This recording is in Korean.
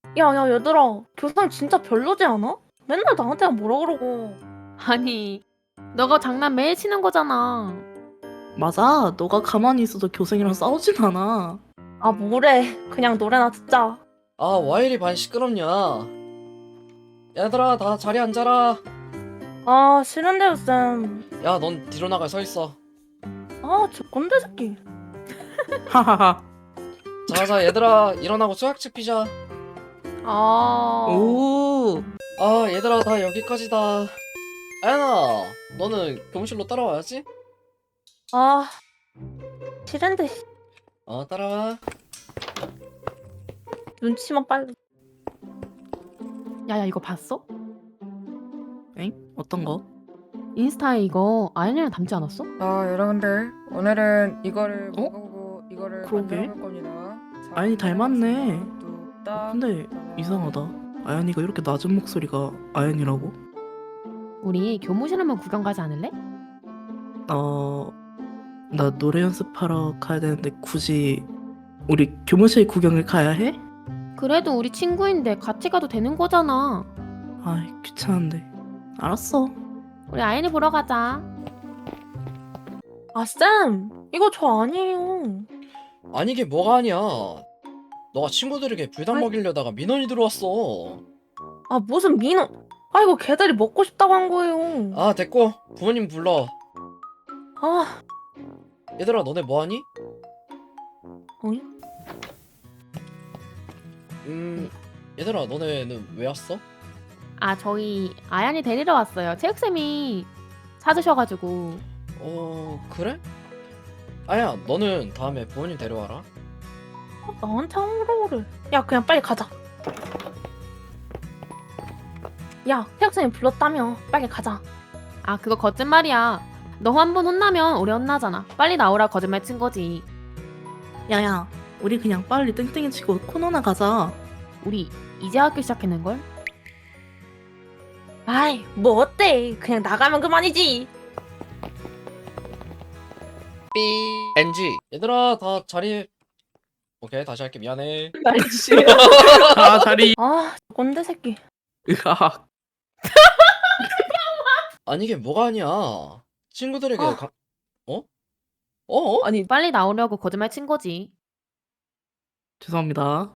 야, 얘들아. 교상 진짜 별로지 않아? 맨날 나한테만 뭐라 그러고. 아니, 너가 장난 매일 치는 거잖아. 맞아. 너가 가만히 있어도 교생이랑 싸우진 않아. 아, 뭐래. 그냥 노래나 듣자. 아, 와 이리 반 시끄럽냐? 얘들아, 다 자리 앉아라. 아, 싫은데요, 쌤. 야, 넌 뒤로 나가 서 있어. 아, 저 꼰대 새끼. 하하하. 자, 얘들아, 일어나고 수학책 피자. 아, 오. 아, 얘들아, 다 여기까지다. 아연아, 너는 교무실로 따라와야지. 아, 싫은데. 따라와. 눈치만 빨리. 야야 이거 봤어? 엥? 어떤 거? 인스타에 이거 아연이랑 닮지 않았어? 여러분들 오늘은 이거를 어? 보고 이거를 그러게. 만들어 볼 겁니다. 자, 아연이 닮았네. 뚝딱. 근데 이상하다. 아연이가 이렇게 낮은 목소리가 아연이라고? 우리 교무실 한번 구경 가지 않을래? 나 노래 연습하러 가야 되는데 굳이 우리 교무실 구경을 가야 해? 그래도 우리 친구인데 같이 가도 되는 거잖아. 아이, 귀찮은데. 알았어. 우리 아연이 보러 가자. 아, 쌤. 이거 저 아니에요. 아니, 이게 뭐가 아니야. 너가 친구들에게 불닭 아이. 먹이려다가 민원이 들어왔어. 아, 무슨 민호. 아, 이거 걔들이 먹고 싶다고 한 거예요. 아, 됐고. 부모님 불러. 아, 얘들아, 너네 뭐하니? 어이? 얘들아, 너네는 왜 왔어? 아 저희 아연이 데리러 왔어요. 체육쌤이 찾으셔가지고. 그래? 아야, 너는 다음에 부모님 데려와라. 나한테 아무로 그래. 야, 그냥 빨리 가자. 야, 태학생이 불렀다며. 빨리 가자. 아 그거 거짓말이야. 너 한 번 혼나면 오래 혼나잖아. 빨리 나오라 거짓말 친 거지. 야야, 우리 그냥 빨리 땡땡이 치고 코너나 가자. 우리 이제 학교 시작했는걸? 아이, 뭐 어때? 그냥 나가면 그만이지. 삐 NG. 얘들아, 다 자리. 오케이, 다시 할게. 미안해. 말이지. 아, 자리. 아, 꼰대 새끼. 으악. 아니, 이게 뭐가 아니야. 친구들에게 아. 어? 아니, 빨리 나오려고 거짓말 친 거지. 죄송합니다.